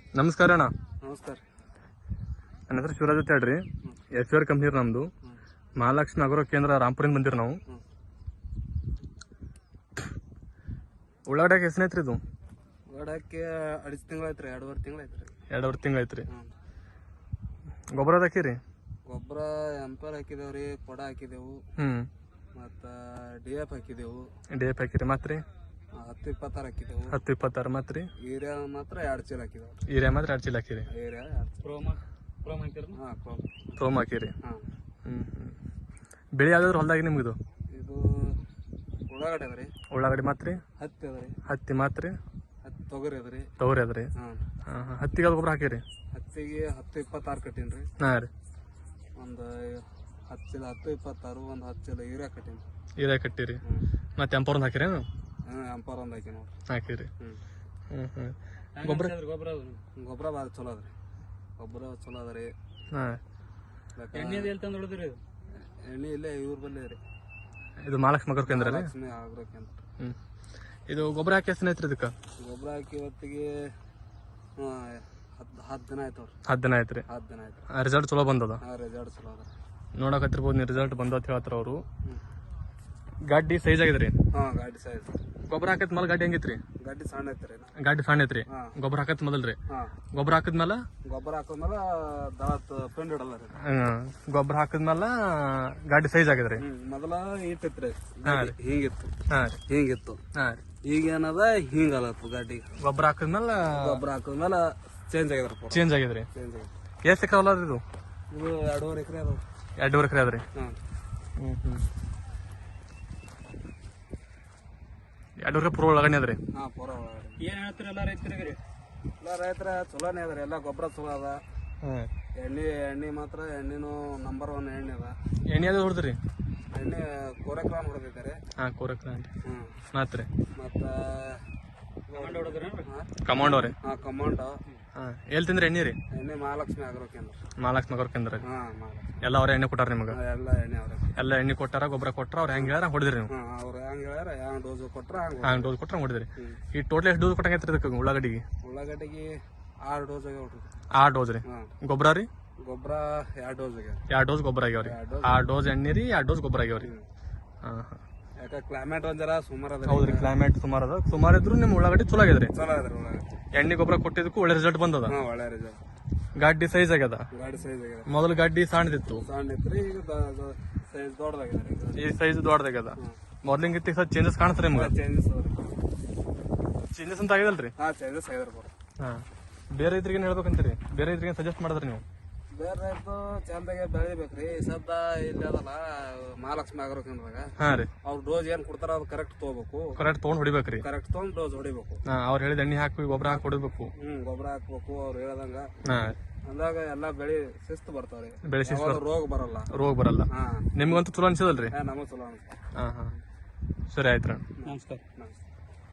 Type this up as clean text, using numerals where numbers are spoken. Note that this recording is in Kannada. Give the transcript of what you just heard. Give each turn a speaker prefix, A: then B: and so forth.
A: ನಮಸ್ಕಾರ ಅಣ್ಣ.
B: ನಮಸ್ಕಾರ.
A: ನನ್ನ ಹೆಸರು ಶಿವರಾಜ್ ಅಂತ ಹೇಳ್ರಿ. ಎಫ್.ಆರ್ ಕಂಪ್ನಿ ನಮ್ದು. ಮಹಾಲಕ್ಷ್ಮಿ ಅಗ್ರೋ ಕೇಂದ್ರ ರಾಂಪುರಿಂದ ಬಂದಿರಿ ನಾವು. ಉಳ್ಳಾಗಡ್ಯಾಗ ಎಷ್ಟು ಐತ್ರಿ ಇದು?
B: ಉಳ್ಳಾಗಡ್ಯಾಕೆ 2.5 ತಿಂಗಳು ಐತ್ರಿ. 2.5 ತಿಂಗಳು ಐತ್ರಿ.
A: 2.5 ತಿಂಗಳು ಐತ್ರಿ. ಗೊಬ್ಬರ ಹಾಕಿರಿ?
B: ಗೊಬ್ಬರ ಎಂಪರ್ ಹಾಕಿದೇವ್ರಿ, ಕೊಡ ಹಾಕಿದೆವು, ಮತ್ತು DF ಹಾಕಿದೆವು.
A: DF ಹಾಕಿರಿ. ಮತ್ತೆ
B: 10-26 ಹಾಕಿದೆವು.
A: 10-26 ಮತ್ತೆ
B: ಯೂರಿಯಾ ಮಾತ್ರ 2 ಚೀಲ ಹಾಕಿದೆವು.
A: ಯೂರಿಯಾ ಮಾತ್ರ 2 ಚೀಲ ಹಾಕಿರಿ.
B: ಯೂರಿಯಾ
A: ಪ್ರೋಮ್ ಹಾಕಿರಿ. ಬೆಳೆ ಯಾವ್ದಾದ್ರು ಹೊಲ್ದಾಗ ನಿಮ್ಗಿದು?
B: ಇದು ಉಳ್ಳಾಗಡ್ಡೆ ಅದ್ರಿ.
A: ಉಳ್ಳಾಗಡ್ಡಿ ಮಾತ್ರಿ?
B: ಹತ್ತಿ ಅದ್ರಿ.
A: ಹತ್ತಿ ಮಾತ್ರಿ?
B: ತೊಗರಿ ಅದ್ರಿ.
A: ತೊಗರಿ ಅದ್ರಿ. ಹತ್ತಿಗೆ ಗೊಬ್ಬರ ಹಾಕಿರಿ?
B: ಹತ್ತಿಗೆ 10-26 ಕಟ್ಟೀನ್ರಿ.
A: ಹಾಂ ರೀ. ಒಂದು
B: 10 ಚೀಲ 10-26, ಒಂದು 10 ಚೀಲ ಯೂರಿಯಾ ಕಟ್ಟೀನಿ.
A: ಯೂರಿಯಾ ಕಟ್ಟಿರಿ. ಮತ್ತೆ ಎಂಪರ್ ಒಂದು ಹಾಕಿರಿ?
B: ಎಂಪರ್ ಒಂದು ಹಾಕಿ ನೋಡ್ರಿ.
A: ಹಾಕಿರಿ.
B: ಗೊಬ್ಬರ ಭಾಳ ಚಲೋ ಅದ್ರಿ. ಗೊಬ್ಬರ ಚಲೋ ಅದ ರೀ. ಎಣ್ಣೆ ಇಲ್ಲೇ ಇವ್ರ ಬಲ್ಲಿ ರೀ.
A: ಇದು ಮಹಾಲಕ್ಷ್ಮಿ ಅಗ್ರೋ ಕೇಂದ್ರ ರೀ?
B: ಆಗ್ರೋ ಕೇಂದ್ರ.
A: ಇದು ಗೊಬ್ಬರ ಹಾಕಿ ಎಷ್ಟು ಐತ್ರಿ ಇದಕ್ಕೆ?
B: ಗೊಬ್ಬರ ಹಾಕಿ ಇವತ್ತಿಗೆ 10 ದಿನ ಆಯ್ತು.
A: 10 ದಿನ ಆಯ್ತು ರೀ.
B: 10 ದಿನ ಆಯ್ತು.
A: ರಿಸಲ್ಟ್ ಚಲೋ ಬಂದದ?
B: ರಿಸಲ್ಟ್ ಚಲೋ ಅದ.
A: ನೋಡಕತ್ತಿರ್ಬೋದು ನೀವು, ರಿಸಲ್ಟ್ ಬಂದ ಅಂತ ಹೇಳ್ತಾರ ಅವರು. ಗಾಡಿ ಸೈಜ್ ಆಗಿದ್ರಿ?
B: ಗಾಡಿ ಸೈಜ್.
A: ಗೊಬ್ಬರ ಹಾಕತ್ ಮೇಲೆ ಗಾಡಿ ಹೆಂಗಿತ್ರಿ?
B: ಗಾಡಿ ಸಣ್ಣ ಐತ್ರಿ.
A: ಗಾಡಿ ಸಣ್ಣ ಐತ್ರಿ. ಗೊಬ್ಬರ ಹಾಕತ್ ಮೊದಲ್ರಿ? ಗೊಬ್ಬರ ಹಾಕಿದ್ಮೇಲೆ
B: ಪೆಂಡ್ ಇಡಲ್ಲ ರೀ.
A: ಗೊಬ್ಬರ ಹಾಕಿದ್ಮೇಲೆ ಗಾಡಿ ಸೈಜ್ ಆಗಿದ್ರಿ?
B: ಮೊದಲ ಇಟ್ಟಿತ್ರಿ, ಹಿಂಗಿತ್ತು. ಹಿಂಗಿತ್ತು. ಈಗ ಏನದ ಹಿಂಗಲತ್ತು ಗಾಡಿ.
A: ಗೊಬ್ಬರ ಹಾಕಿದ್ಮೇಲೆ
B: ಚೇಂಜ್ ಆಗಿದ್ರಿ.
A: ಚೇಂಜ್ ಆಗಿದ್ರಿ. ಎಷ್ಟು ಎಕರೆ ಹೊಲ ಇದು?
B: ಇದು 2.5 ಎಕರೆ ಅದಾವ.
A: 2.5 ಎಕರೆ ಅದ್ರಿ. 2 ಎಕರೆ ಪೂರ ಒಳಗಡೆ ಅದ್ರಿ?
B: ಪೂರ ಏನ್ ಹೇಳ್ತೀರಿ ಎಲ್ಲ ರೈತರಿಗೆ? ಎಲ್ಲ ರೈತರ ಚಲೋನೇ ಅದ್ರಿ. ಎಲ್ಲ ಗೊಬ್ಬರ ಚಲೋ ಅದ. ಎಣ್ಣೆ ಮಾತ್ರ ಎಣ್ಣೆನು ನಂಬರ್ 1 ಎಣ್ಣೆ ಅದ.
A: ಎಣ್ಣೆ ಅದು ಹೊಡೆದ್ರಿ?
B: ಎಣ್ಣೆ ಕೋರೆಕ್ರಾನ್ ಹೊಡೆದಿದ್ದಾರೆ.
A: ಕೋರೆಕ್ರಾನ್. ಮಾತ್ರಿ?
B: ಮತ್ತ
A: ಕಮಾಂಡೋ ರೀ?
B: ಕಮಾಂಡೋ.
A: ಎಲ್ಲಿ ತಿಂದ್ರಿ ಎಣ್ಣೆ ರೀ?
B: ಎಣ್ಣೆ ಮಹಾಲಕ್ಷ್ಮಿ ಅಗ್ರೋ ಕೇಂದ್ರ.
A: ಮಹಾಲಕ್ಷ್ಮಿ ಅಗ್ರೋ ಕೇಂದ್ರ. ಎಲ್ಲ ಅವ್ರ ಎಣ್ಣೆ ಕೊಟ್ಟಾರ ನಿಮ್ಗೆ?
B: ಎಲ್ಲ ಎಣ್ಣೆ ಅವ್ರ.
A: ಎಲ್ಲ ಎಣ್ಣೆ ಕೊಟ್ಟಾರ, ಗೊಬ್ಬರ ಕೊಟ್ಟಾರ. ಅವ್ರು ಹೆಂಗ್ ಹೇಳ್ಯಾರ ಹೊಡಿದ್ರಿ ನೀವು?
B: ಅವ್ರು ಹೆಂಗ್ ಹೇಳ್ಯಾರ, ಹ್ಯಾಂಗ್ ಡೋಸ್ ಕೊಟ್ರ
A: ಹಂಗ್ ಡೋಸ್ ಕೊಟ್ರ ಹೊಡಿದ್ರಿ. ಈ ಟೋಟಲ್ ಎಷ್ಟು ಡೋಸ್ ಕೊಟ್ಟಂಗೈತ್ರಿ ಇದಕ್ಕೆ ಉಳ್ಳಾಗಡ್ಡಿಗೆ?
B: ಉಳ್ಳಾಗಡ್ಡಿಗೆ 6 ಡೋಸ್ ಆಗ್ಯಾವ್ರಿ.
A: 6 ಡೋಸ್ ರೀ. ಗೊಬ್ಬರ ರೀ?
B: ಗೊಬ್ಬರ 2 ಡೋಸ್ ಆಗ್ಯಾವ.
A: 2 ಡೋಸ್ ಗೊಬ್ಬರ ಆಗ್ಯಾವ್ರಿ. 6 ಡೋಸ್ ಎಣ್ಣೆ ರೀ, 2 ಡೋಸ್ ಗೊಬ್ಬರ ಆಗ್ಯಾವ್ರಿ.
B: ಯಾಕ ಕ್ಲೈಮೇಟ್ ಒಂದ್ ಜರ ಸುಮಾರು ಅದ.
A: ಹೌದ್ರಿ, ಕ್ಲೈಮೇಟ್ ಸುಮಾರು ಅದ. ಸುಮಾರು ಇದ್ರು ನಿಮ್ ಉಳ್ಳಾಗಡ್ಡಿ ಚಲೋ ಆಗ್ಯದ್ರಿ.
B: ಚಲೋ ಅದ್ರಿ ಉಳ್ಳಾಗಡ್ಡಿ.
A: ಎಣ್ಣೆ ಗೊಬ್ಬರ ಕೊಟ್ಟಿದ್ದಕ್ಕೂ ಒಳ್ಳೆ ರಿಸಲ್ಟ್ ಬಂದದ.
B: ಒಳ್ಳೆ ರಿಸಲ್ಟ್.
A: ಗಾಡಿ ಸೈಜ್ ಆಗ್ಯದ?
B: ಗಾಡಿ ಸೈಜ್ ಆಗ್ಯದ.
A: ಮೊದಲು ಗಾಡಿ ಸಣ್ಣದಿತ್ತು.
B: ಸಣ್ಣ ಇತ್ರಿ, ಈಗ ಸೈಜ್ ದೊಡ್ಡದಾಗ್ಯದ.
A: ಈ ಸೈಜ್ ದೊಡ್ಡದಾಗ್ಯದ. ಮೊದ್ಲಿಂಗಿತ್ತ ಸ್ವಲ್ಪ ಚೇಂಜಸ್ ಕಾಣಿಸ್ತಾರೆ ನಿಮ್ಗೆ? ಚೇಂಜಸ್ ಅಂತ ಆಗ್ಯದಲ್ರಿ?
B: ಚೇಂಜಸ್ ಆಗ್ಯದ.
A: ಬೇರೆ ರೈತರಿಗೆ ಹೇಳ್ಬೇಕಂತೀರಿ? ಬೇರೆ ರೈತರಿಗೆ ಸಜೆಸ್ಟ್ ಮಾಡಿದ್ರಿ ನೀವು?
B: ಬೇರೆ ರೈತರು ಚಂದಾಗೆ ಬೆಳಿಬೇಕ್ರಿ. ಸದ್ದ ಇಲ್ಲಿ ಅದಲ್ಲ ಮಹಾಲಕ್ಷ್ಮಿ ಅಗ್ರೋ ಕೇಂದ್ರದಾಗ. ಅವ್ರ ಡೋಸ್ ಏನ್ ಕೊಡ್ತಾರ ಅದು ಕರೆಕ್ಟ್ ತಗೋಬೇಕು.
A: ಕರೆಕ್ಟ್ ತಗೊಂಡ್ ಹೊಡಿಬೇಕ್ರಿ?
B: ಕರೆಕ್ಟ್ ತಗೊಂಡ್ ಡೋಸ್ ಹೊಡಿಬೇಕು.
A: ಅವ್ರು ಹೇಳಿದ ಎಣ್ಣೆ ಹಾಕಿ ಗೊಬ್ಬರ ಹಾಕಿ ಹೊಡಿಬೇಕು.
B: ಗೊಬ್ಬರ ಹಾಕ್ಬೇಕು ಅವ್ರು ಹೇಳ್ದಂಗ. ಅಂದಾಗ ಎಲ್ಲಾ ಬೆಳಿ ಶಿಸ್ತು ಬರ್ತಾವ್ರಿ.
A: ಬೆಳೆ ಶಿಸ್ತು,
B: ರೋಗ ಬರಲ್ಲ.
A: ರೋಗ ಬರಲ್ಲ. ನಿಮ್ಗಂತೂ ಚಲೋ ಅನ್ಸದಲ್ರಿ?
B: ನಮಗ್ ಚಲೋ ಅನ್ಸುತ್ತೆ.
A: ಸರಿ ಆಯ್ತು.
B: ನಮಸ್ಕಾರ.